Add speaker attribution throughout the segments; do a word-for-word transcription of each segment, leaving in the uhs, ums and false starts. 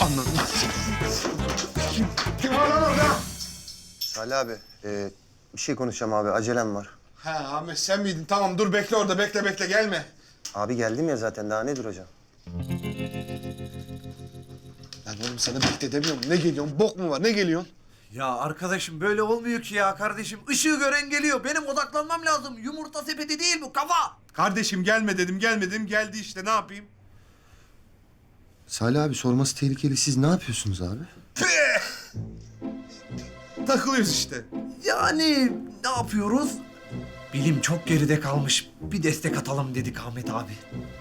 Speaker 1: Anladım. Kim, kim var lan orada?
Speaker 2: Salih abi, e, bir şey konuşacağım abi. Acelem var.
Speaker 1: Ha Ahmet sen miydin? Tamam dur bekle orada. Bekle bekle gelme.
Speaker 2: Abi geldim ya zaten. Daha ne duracağım?
Speaker 1: Lan oğlum sana bekle demiyorum. Ne geliyorsun? Bok mu var? Ne geliyorsun?
Speaker 3: Ya arkadaşım böyle olmuyor ki ya kardeşim. Işığı gören geliyor. Benim odaklanmam lazım. Yumurta sepeti değil bu, kafa.
Speaker 1: Kardeşim gelme dedim, gelme dedim. Geldi işte, ne yapayım?
Speaker 2: Salih abi sorması tehlikeli. Siz ne yapıyorsunuz abi?
Speaker 1: Takılıyoruz işte.
Speaker 3: Yani ne yapıyoruz? Bilim çok geride kalmış. Bir destek atalım dedik Ahmet abi.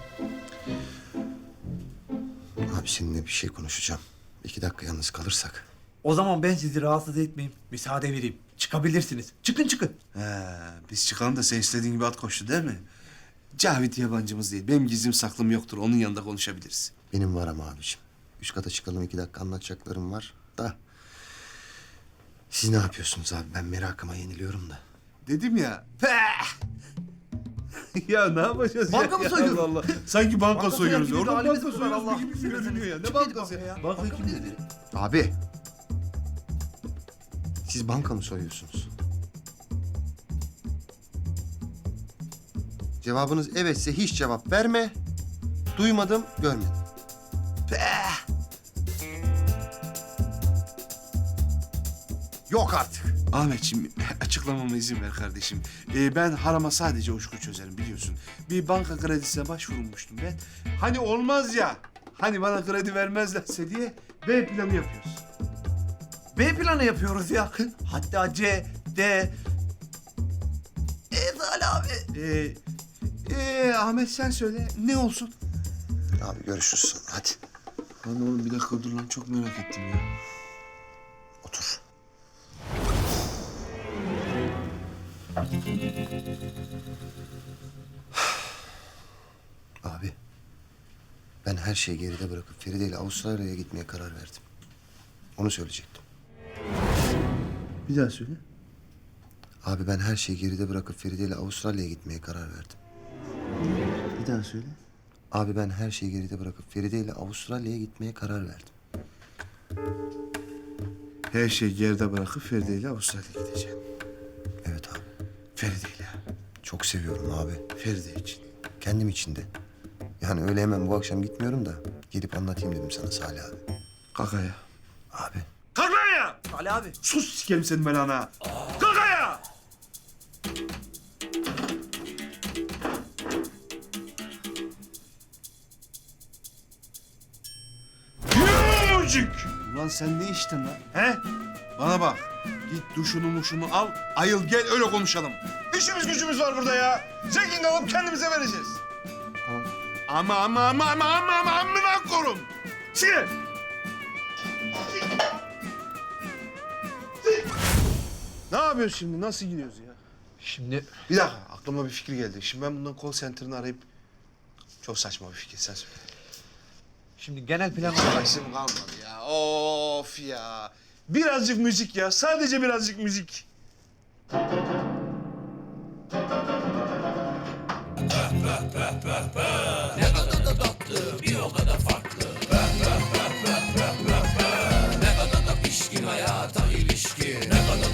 Speaker 2: Abi seninle bir şey konuşacağım. İki dakika yalnız kalırsak.
Speaker 3: O zaman ben sizi rahatsız etmeyeyim. Müsaade vereyim. Çıkabilirsiniz. Çıkın çıkın.
Speaker 4: He, biz çıkalım da sen istediğin gibi at koştu değil mi? Cavit yabancımız değil. Benim gizlim saklım yoktur. Onun yanında konuşabiliriz.
Speaker 2: Benim var ama abiciğim. Üst kata çıkalım. iki dakika anlatacaklarım var da. Siz ne yapıyorsunuz abi? Ben merakıma yeniliyorum da.
Speaker 4: Dedim ya. Ya ne yapacağız
Speaker 3: Banka
Speaker 4: ya?
Speaker 3: mı
Speaker 4: Ya
Speaker 3: soyuyoruz?
Speaker 4: Allah Allah. Sanki banka,
Speaker 3: Banka
Speaker 4: soyuyoruz.
Speaker 3: soyar gibi
Speaker 4: Orada
Speaker 3: bir
Speaker 4: banka
Speaker 3: halimiz var,
Speaker 4: soyuyoruz
Speaker 3: Allah.
Speaker 4: gibi görünüyor ya. Ne
Speaker 3: Kim dedi
Speaker 4: bankası
Speaker 3: banka
Speaker 4: ya?
Speaker 3: ya?
Speaker 4: Bankayı kim dedi?
Speaker 2: Abi. Siz banka mı soyuyorsunuz? Cevabınız evetse hiç cevap verme. Duymadım, görmedim. Yok artık.
Speaker 4: Ahmetciğim açıklamama izin ver kardeşim. Ee, ben harama sadece uşku çözerim biliyorsun. Bir banka kredisine başvurmuştum ben. Hani olmaz ya. Hani bana kredi vermezlerse diye B planı yapıyoruz.
Speaker 3: B planı yapıyoruz ya. Hatta C, D... E Salih abi.
Speaker 4: Ee, ee, Ahmet sen söyle ne olsun?
Speaker 2: Abi görüşürüz sonra. Hadi
Speaker 4: Lan oğlum bir dakika dur lan çok merak ettim ya.
Speaker 2: otur. Abi. Ben her şeyi geride bırakıp Feride ile Avustralya'ya gitmeye karar verdim. Onu söyleyecektim.
Speaker 4: Bir daha söyle.
Speaker 2: Abi ben her şeyi geride bırakıp Feride ile Avustralya'ya gitmeye karar verdim.
Speaker 4: Bir daha söyle.
Speaker 2: Abi ben her şeyi geride bırakıp Feride ile Avustralya'ya gitmeye karar verdim.
Speaker 4: Her şeyi geride bırakıp Feride ile Avustralya'ya gideceğim.
Speaker 2: Evet abi.
Speaker 4: Feride ile.
Speaker 2: Çok seviyorum abi.
Speaker 4: Feride için.
Speaker 2: Kendim için de. Yani öyle hemen bu akşam gitmiyorum da gelip anlatayım dedim sana Salih abi.
Speaker 4: Kakaya.
Speaker 2: Abi.
Speaker 4: Kakaya!
Speaker 3: Salih abi.
Speaker 4: Sus sikerim senin belanı ha. Kakaya! Yumurcuk! Ulan sen ne içtin lan? He? Bana bak. Git duşunu muşunu al. Ayıl gel öyle konuşalım. İşimiz gücümüz var burada ya. Zengin alıp kendimize vereceğiz.
Speaker 2: Tamam.
Speaker 4: Ama ama ama ama ama ama amına korum. Çıkın. Ne yapıyorsun şimdi? Nasıl gidiyoruz ya?
Speaker 3: Şimdi
Speaker 4: Bir dakika aklıma bir fikir geldi. Şimdi ben bundan call center'ını arayıp... Çok saçma bir fikir sen söyle.
Speaker 3: şimdi genel plan
Speaker 4: Başım kalmadı ya. Of ya. Birazcık müzik ya. Sadece birazcık müzik.